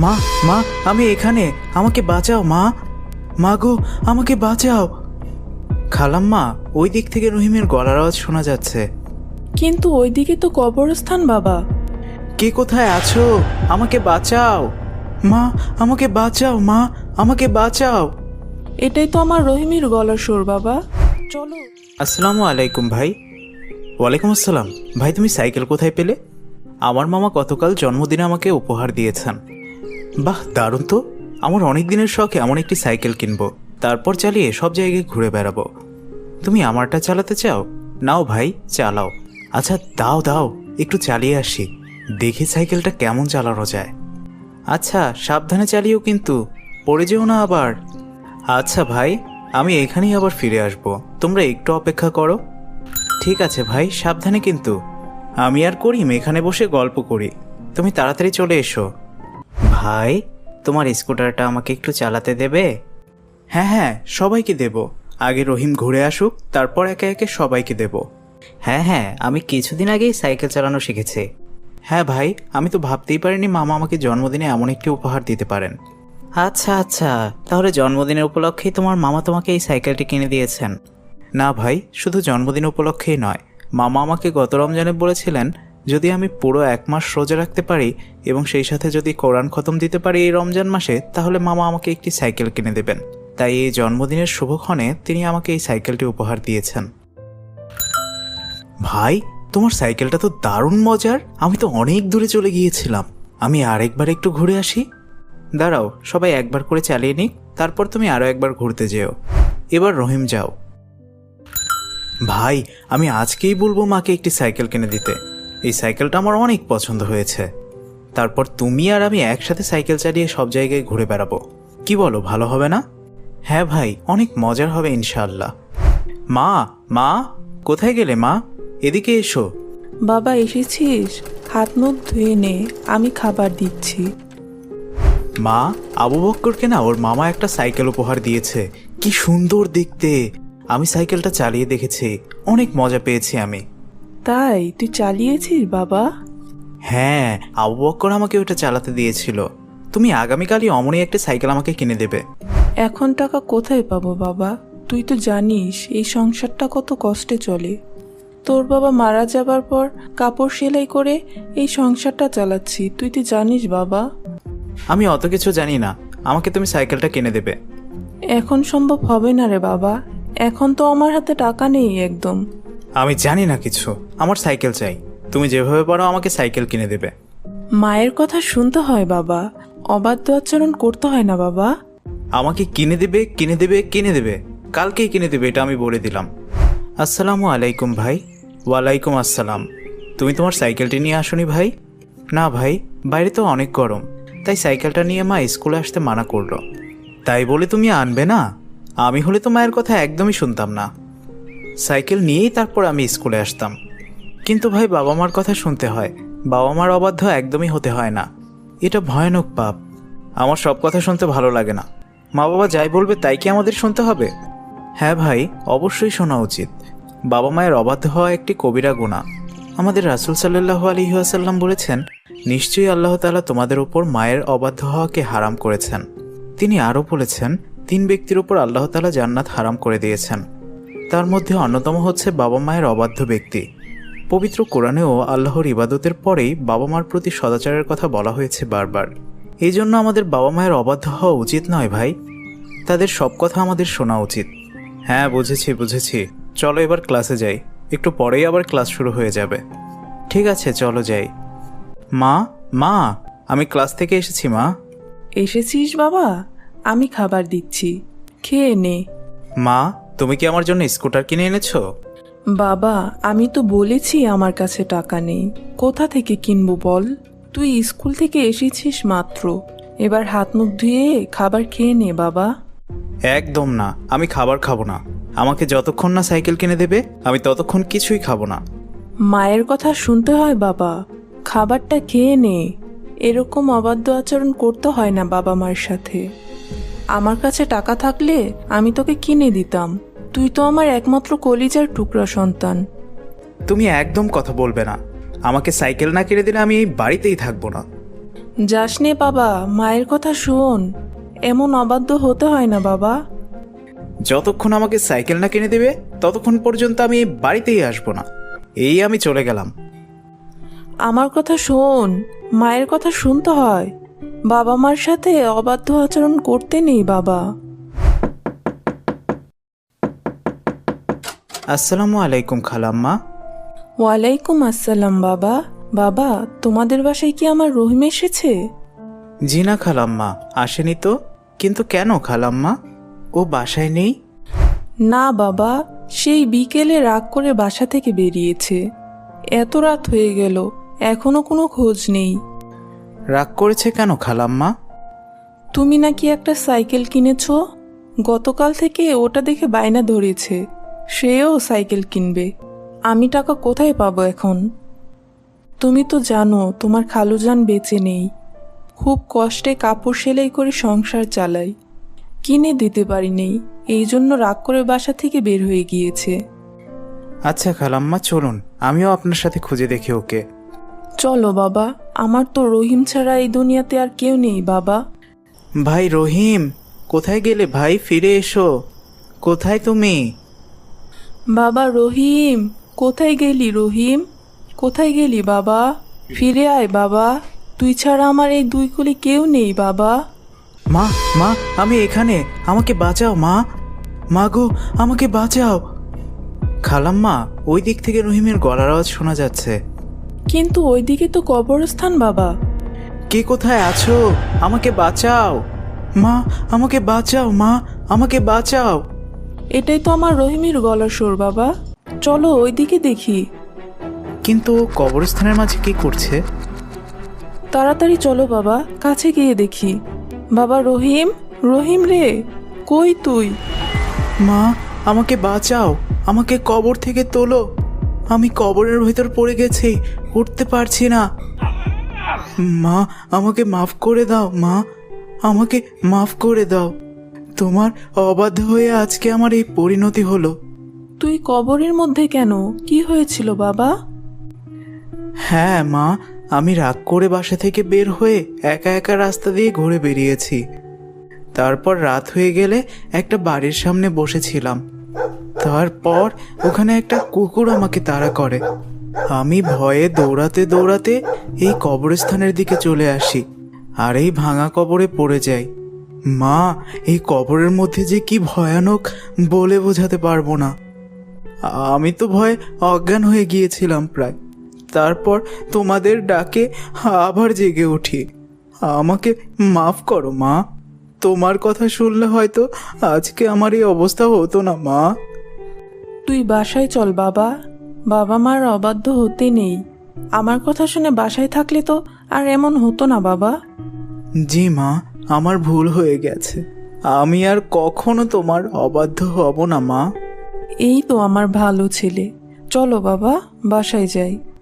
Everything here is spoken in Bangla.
মা মা আমি এখানে, আমাকে বাঁচাও মা, মা গো আমাকে বাঁচাও। খালাম্মা, ওই দিক থেকে রহিমের গলার আওয়াজ শোনা যাচ্ছে। কিন্তু ওইদিকে তো কবরস্থান বাবা। কে কোথায় আছো? আমাকে বাঁচাও মা, আমাকে বাঁচাও মা, আমাকে বাঁচাও। এটাই তো আমার রহিমের গলার সুর বাবা, চলো। আসসালামু আলাইকুম ভাই। ওয়ালাইকুম আসসালাম। ভাই তুমি সাইকেল কোথায় পেলে? আমার মামা গতকাল জন্মদিনে আমাকে উপহার দিয়েছেন। বাহ, দারুণ তো। আমার অনেক দিনের শখ এমন একটি সাইকেল কিনবো, তারপর চালিয়ে সব জায়গায় ঘুরে বেড়াবো। তুমি আমারটা চালাতে চাও? নাও ভাই, চালাও। আচ্ছা দাও দাও, একটু চালিয়ে আসি, দেখি সাইকেলটা কেমন চালানো যায়। আচ্ছা সাবধানে চালিও কিন্তু, পড়ে যেও না আবার। আচ্ছা ভাই, আমি এখানেই আবার ফিরে আসবো, তোমরা একটু অপেক্ষা করো। ঠিক আছে ভাই, সাবধানে কিন্তু। আমি আর করিম এখানে বসে গল্প করি, তুমি তাড়াতাড়ি চলে এসো। ভাই, তোমার স্কুটারটা আমাকে একটু চালাতে দেবে? হ্যাঁ হ্যাঁ, সবাইকে দেব। আগে রহিম ঘুরে আসুক, তারপর একে একে সবাইকে দেব। হ্যাঁ হ্যাঁ, আমি কিছুদিন আগেই সাইকেল চালানো শিখেছি। হ্যাঁ ভাই, আমি তো ভাবতেই পারিনি মামা আমাকে জন্মদিনে এমন একটি উপহার দিতে পারেন। আচ্ছা আচ্ছা, তাহলে জন্মদিনের উপলক্ষেই তোমার মামা তোমাকে এই সাইকেলটি কিনে দিয়েছেন? না ভাই, শুধু জন্মদিন উপলক্ষেই নয়, মামা আমাকে গত রমজানে বলেছিলেন যদি আমি পুরো 1 মাস রোজা রাখতে পারি এবং সেই সাথে যদি কোরআন খতম দিতে পারি এই রমজান মাসে, তাহলে মামা আমাকে একটি সাইকেল কিনে দেবেন। তাই এই জন্মদিনের শুভক্ষণে তিনি আমাকে এই সাইকেলটি উপহার দিয়েছেন। ভাই, তোমার সাইকেলটা তো দারুণ মজার। আমি তো অনেক দূরে চলে গিয়েছিলাম, আমি আরেকবার একটু ঘুরে আসি। দাঁড়াও, সবাই একবার করে চালিয়ে নিক, তারপর তুমি আরও একবার ঘুরতে যেও। এবার রহিম যাও। ভাই, আমি আজকেই বলবো মাকে একটি সাইকেল কিনে দিতে। এই সাইকেলটা আমার অনেক পছন্দ হয়েছে। তারপর তুমি আর আমি একসাথে সাইকেল চালিয়ে সব জায়গায় ঘুরে বেড়াবো। কি বলো, ভালো হবে না? হ্যাঁ ভাই, অনেক মজার হবে ইনশাআল্লাহ। মা মা, কোথায় গেলে মা? এদিকে এসো। বাবা এসেছিস? হাত মুখ ধুয়ে নে, আমি খাবার দিচ্ছি। মা, আবু বক্করকে না ওর মামা একটা সাইকেল উপহার দিয়েছে, কি সুন্দর দেখতে। আমি সাইকেলটা চালিয়ে দেখেছি, অনেক মজা পেয়েছি আমি। তাই তুই চালিয়েছিস বাবা? হ্যাঁ, আবু বক্কর আমাকে ওটা চালাতে দিয়েছিল। তুমি আগামীকালই অমনই একটা সাইকেল আমাকে কিনে দেবে। এখন টাকা কোথায় পাবো বাবা? তুই তো জানিস এই সংসারটা কত কষ্টে চলে। তোর বাবা মারা যাবার পর কাপড় সেলাই করে এই সংসারটা চালাচ্ছি, তুই তো জানিস বাবা। আমি অত কিছু জানি না, আমাকে তুমি সাইকেলটা কিনে দেবে। এখন সম্ভব হবে না রে বাবা, এখন তো আমার হাতে টাকা নেই একদম। আমি জানি না কিছু, আমার সাইকেল চাই। তুমি যেভাবে পারো আমাকে সাইকেল কিনে দেবে। মায়ের কথা শুনতে হয় বাবা, অবাধ্য আচরণ করতে হয় না বাবা। আমাকে কিনে দেবে কিনে দেবে কিনে দেবে, কালকেই কিনে দেবে, এটা আমি বলে দিলাম। আসসালামু আলাইকুম ভাই। ওয়ালাইকুম আসসালাম। তুমি তোমার সাইকেলটি নিয়ে আসোনি ভাই? না ভাই, বাইরে তো অনেক গরম, তাই সাইকেলটা নিয়ে মা স্কুলে আসতে মানা করলো। তাই বলে তুমি আনবে না? আমি হলে তো মায়ের কথা একদমই শুনতাম না, সাইকেল নিয়েই তারপর আমি স্কুলে আসতাম। কিন্তু ভাই, বাবা মার কথা শুনতে হয়, বাবা মার অবাধ্য একদমই হতে হয় না, এটা ভয়ানক পাপ। আমার সব কথা শুনতে ভালো লাগে না, মা বাবা যাই বলবে তাই কি আমাদের শুনতে হবে? হ্যাঁ ভাই, অবশ্যই শোনা উচিত। বাবা মায়ের অবাধ্য হওয়া একটি কবিরা গুনাহ। আমাদের রাসূল সাল্লাল্লাহু আলাইহি ওয়াসাল্লাম বলেছেন, নিশ্চয়ই আল্লাহ তাআলা তোমাদের উপর মায়ের অবাধ্য হওয়াকে হারাম করেছেন। তিনি আরও বলেছেন, 3 ব্যক্তির উপর আল্লাহ তাআলা জান্নাত হারাম করে দিয়েছেন, তার মধ্যে অন্যতম হচ্ছে বাবা মায়ের অবাধ্য ব্যক্তি। পবিত্র কোরআনেও আল্লাহর ইবাদতের পরেই বাবা মার প্রতি সদাচারের কথা বলা হয়েছে বারবার। এই জন্য আমাদের বাবা মায়ের অবাধ্য হওয়া উচিত নয় ভাই, তাদের সব কথা আমাদের শোনা উচিত। হ্যাঁ বুঝেছি বুঝেছি, চলো এবার ক্লাসে যাই, একটু পরেই আবার ক্লাস শুরু হয়ে যাবে। ঠিক আছে চলো যাই। মা মা, আমি ক্লাস থেকে এসেছি মা। এসেছিস বাবা? আমি খাবার দিচ্ছি, খেয়ে নে। মা, তুমি কি আমার জন্য স্কুটার কিনে এনেছো? বাবা আমি তো বলেছি আমার কাছে টাকা নেই, কোথা থেকে কিনবো বল? তুই স্কুল থেকে এসেছিস মাত্র, এবার হাত মুখ ধুয়ে খাবার খেয়ে নে বাবা। একদম না, আমি খাবার খাবো না। আমাকে যতক্ষণ না সাইকেল কিনে দেবে আমি ততক্ষণ কিছুই খাবো না। মায়ের কথা শুনতে হয় বাবা, খাবারটা খেয়ে নে। এরকম অবাধ্য আচরণ করতে হয় না বাবা মার সাথে। আমার কাছে টাকা থাকলে আমি তোকে কিনে দিতাম, তুই তো আমার একমাত্র কলিজার টুকরা সন্তান। তুমি একদম কথা বলবে না, আমাকে সাইকেল না কিনে দিলে আমি এই বাড়িতেই থাকবো না। যাস নে বাবা, মায়ের কথা শোন। এমন অবাধ্য হতে হয় না বাবা। যতক্ষণ আমাকে সাইকেল না কিনে দেবে ততক্ষণ পর্যন্ত আমি এই বাড়িতেই আসবো না। এই আমি চলে গেলাম। আমার কথা শোন, মায়ের কথা শুনতে হয়। বাবা মার সাথে অবাধ্য আচরণ করতে নেই বাবা। আসসালামু আলাইকুম খালাম্মা। ওয়ালাইকুম আসসালাম বাবা। বাবা, তোমাদের বাসায় কি আমার রহিম এসেছে? জি না খালাম্মা, আসেনি তো। কিন্তু কেন খালাম্মা, ও বাসায় নেই? না বাবা, সেই বিকেলে রাগ করে বাসা থেকে বেরিয়েছে। এত রাত হয়ে গেল, এখনো কোনো খোঁজ নেই। রাগ করেছে কেন খালাম্মা? তুমি নাকি একটা সাইকেল কিনেছ, গতকাল থেকে ওটা দেখে বায়না ধরেছে সেও সাইকেল কিনবে। আমি টাকা কোথায় পাবো এখন? তুমি তো জানো তোমার খালুজান বেঁচে নেই। খুব কষ্টে কাপড় সেলাই করে সংসার চালাই, কিনে দিতে পারিনি, এই জন্য রাগ করে বাসা থেকে বের হয়ে গিয়েছে। আচ্ছা খালাম্মা, চলুন আমিও আপনার সাথে খুঁজে দেখি ওকে। চলো বাবা, আমার তো রহিম ছাড়া এই দুনিয়াতে আর কেউ নেই বাবা। ভাই রহিম, কোথায় গেলে ভাই? ফিরে এসো। কোথায় তুমি? বাবা রহিম, কোথায় গেলি রহিম? কোথায় গেলি বাবা? ফিরে আয় বাবা, তুই ছাড়া আমার এই দুই কুলি কেউ নেই বাবা। মা, মা, আমি এখানে, আমাকে বাঁচাও মা। মা গো, আমাকে বাঁচাও। খালাম্মা, ওই দিক থেকে রহিমের গলার আওয়াজ শোনা যাচ্ছে। কিন্তু ওইদিকে তো কবরস্থান বাবা। কে কোথায় আছো? আমাকে বাঁচাও মা, আমাকে বাঁচাও মা, আমাকে বাঁচাও। এটাই তো আমার রহিমের গলার সুর বাবা। চলো ওইদিকে দেখি। কিন্তু ও কবরস্থানের মাঝে কি করছে? তাড়াতাড়ি চলো বাবা, কাছে গিয়ে দেখি। বাবা রহিম, রহিম রে, কই তুই? মা, আমাকে বাঁচাও, আমাকে কবর থেকে তোলো। আমি কবরের ভেতর পড়ে গেছি, উঠতে পারছি না। মা, আমাকে মাফ করে দাও মা, আমাকে মাফ করে দাও। তোমার অবাধ্য হয়ে আজকে আমার এই পরিণতি হলো। তুই কবরের মধ্যে কেন? কি হয়েছিল বাবা? হ্যাঁ মা, আমি রাগ করে বাসা থেকে বের হয়ে একা একা রাস্তা দিয়ে ঘুরে বেরিয়েছি। তারপর রাত হয়ে গেলে একটা বাড়ির সামনে বসেছিলাম। তারপর ওখানে একটা কুকুর আমাকে তাড়া করে। আমি ভয়ে দৌড়াতে দৌড়াতে এই কবরস্থানের দিকে চলে আসি, আর এই ভাঙা কবরে পড়ে যাই। মা, এই কবরের মধ্যে যে কি ভয়ানক বলে বোঝাতে পারবো না। আমি তো ভয়ে অজ্ঞান হয়ে গিয়েছিলাম প্রায়। তারপর তোমাদের ডাকে আবার জেগে উঠি। আমাকে মাফ করো মা। তোমার কথা শুনলে হয়তো আজকে আমার এই অবস্থা হতো না মা। তুই বাসায় চল বাবা, বাবা মার অবাধ্য হতে নেই। আমার কথা শুনে বাসায় থাকলে তো আর এমন হতো না বাবা। জি মা, আমার ভুল হয়ে গেছে। আমি আর কখনো তোমার অবাধ্য হব না মা। এই তো আমার ভালো ছেলে। চলো বাবা, বাসায় যাই।